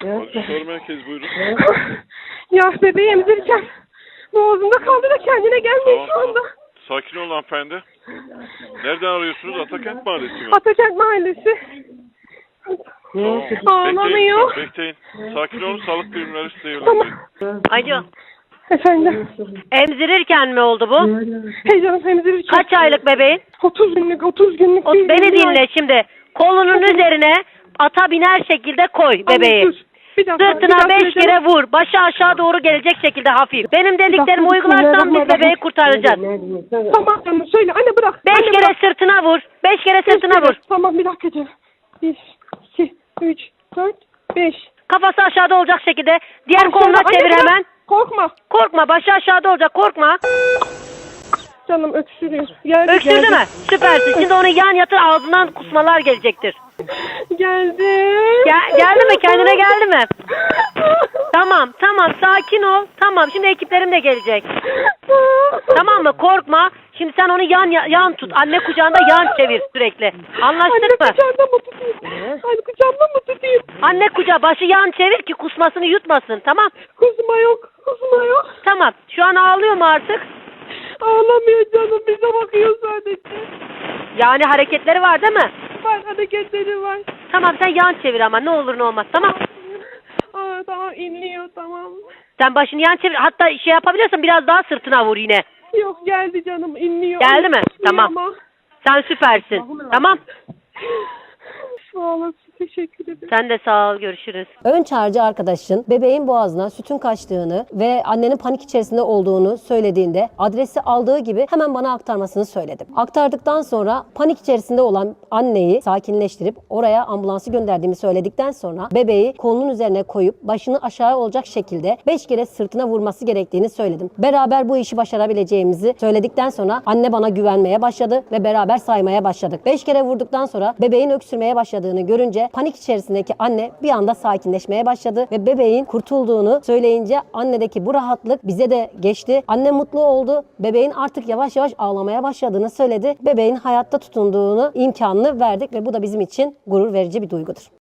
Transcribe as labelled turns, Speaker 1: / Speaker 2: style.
Speaker 1: Soru merkezi buyurun.
Speaker 2: Ya bebeği emzirirken boğazımda kaldı da kendine gelmiyor şu anda.
Speaker 1: Sakin olun hanımefendi. Nereden arıyorsunuz? Atakent Mahallesi mi?
Speaker 2: Atakent Mahallesi.
Speaker 1: Tamam.
Speaker 2: Ağlamıyor.
Speaker 1: Bekleyin. Sakin olun. Sağlık birimleri size
Speaker 2: Tamam.
Speaker 1: yönlendirin.
Speaker 3: Alo.
Speaker 2: Efendim.
Speaker 3: Emzirirken mi oldu bu?
Speaker 2: Heyecanım emzirirken.
Speaker 3: Kaç aylık bebeğin?
Speaker 2: 30 günlük değil.
Speaker 3: Beni dinle şimdi. Kolunun üzerine ata biner şekilde koy bebeği.
Speaker 2: Bir dakika,
Speaker 3: Sırtına 5 kere vur. Başı aşağı doğru gelecek şekilde hafif. Benim dediklerimi uygularsan biz bebeği kurtaracağız.
Speaker 2: Tamam canım söyle anne bırak.
Speaker 3: 5 kere sırtına vur. 5 kere sırtına vur.
Speaker 2: Tamam bir dakika canım. 1, 2, 3, 4, 5.
Speaker 3: Kafası aşağıda olacak şekilde. Diğer koluna çevir hemen.
Speaker 2: Korkma.
Speaker 3: Korkma, başı aşağıda olacak, korkma.
Speaker 2: Canım öksürüyor.
Speaker 3: Öksürdü mü? Süpersin. Şimdi onu yan yatır, ağzından kusmalar gelecektir.
Speaker 2: Geldi.
Speaker 3: Geldi mi? Kendine geldi mi? Tamam, sakin ol. Tamam, şimdi ekiplerim de gelecek. Tamam mı? Korkma. Şimdi sen onu yan tut. Anne kucağında yan çevir sürekli. Anlaştık mı?
Speaker 2: Anne kucağında mı tutayım? Anne kucağında mı tutayım?
Speaker 3: Anne kucağı, başı yan çevir ki kusmasını yutmasın. Tamam.
Speaker 2: Kusma yok.
Speaker 3: Tamam. Şu an ağlıyor mu artık?
Speaker 2: Ağlamıyor canım. Bize bakıyor sadece.
Speaker 3: Yani hareketleri var değil mi?
Speaker 2: Var hareketleri var.
Speaker 3: Tamam, sen yan çevir ama ne olur ne olmaz. Tamam.
Speaker 2: Tamam inliyor tamam.
Speaker 3: Sen başını yan çevir. Hatta şey yapabiliyorsan biraz daha sırtına vur yine.
Speaker 2: Yok geldi canım inliyor.
Speaker 3: Geldi mi? Tamam.
Speaker 2: Ama.
Speaker 3: Sen süpersin. Tamam.
Speaker 2: Sağ olasın. Teşekkür ederim.
Speaker 3: Sen de sağ ol. Görüşürüz.
Speaker 4: Ön çağrıcı arkadaşın bebeğin boğazına sütün kaçtığını ve annenin panik içerisinde olduğunu söylediğinde adresi aldığı gibi hemen bana aktarmasını söyledim. Aktardıktan sonra panik içerisinde olan anneyi sakinleştirip oraya ambulansı gönderdiğimi söyledikten sonra bebeği kolunun üzerine koyup başını aşağı olacak şekilde 5 kere sırtına vurması gerektiğini söyledim. Beraber bu işi başarabileceğimizi söyledikten sonra anne bana güvenmeye başladı ve beraber saymaya başladık. 5 kere vurduktan sonra bebeğin öksürmeye başladığını görünce panik içerisindeki anne bir anda sakinleşmeye başladı ve bebeğin kurtulduğunu söyleyince annedeki bu rahatlık bize de geçti. Anne mutlu oldu. Bebeğin artık yavaş yavaş ağlamaya başladığını söyledi. Bebeğin hayatta tutunduğunu imkanını verdik ve bu da bizim için gurur verici bir duygudur.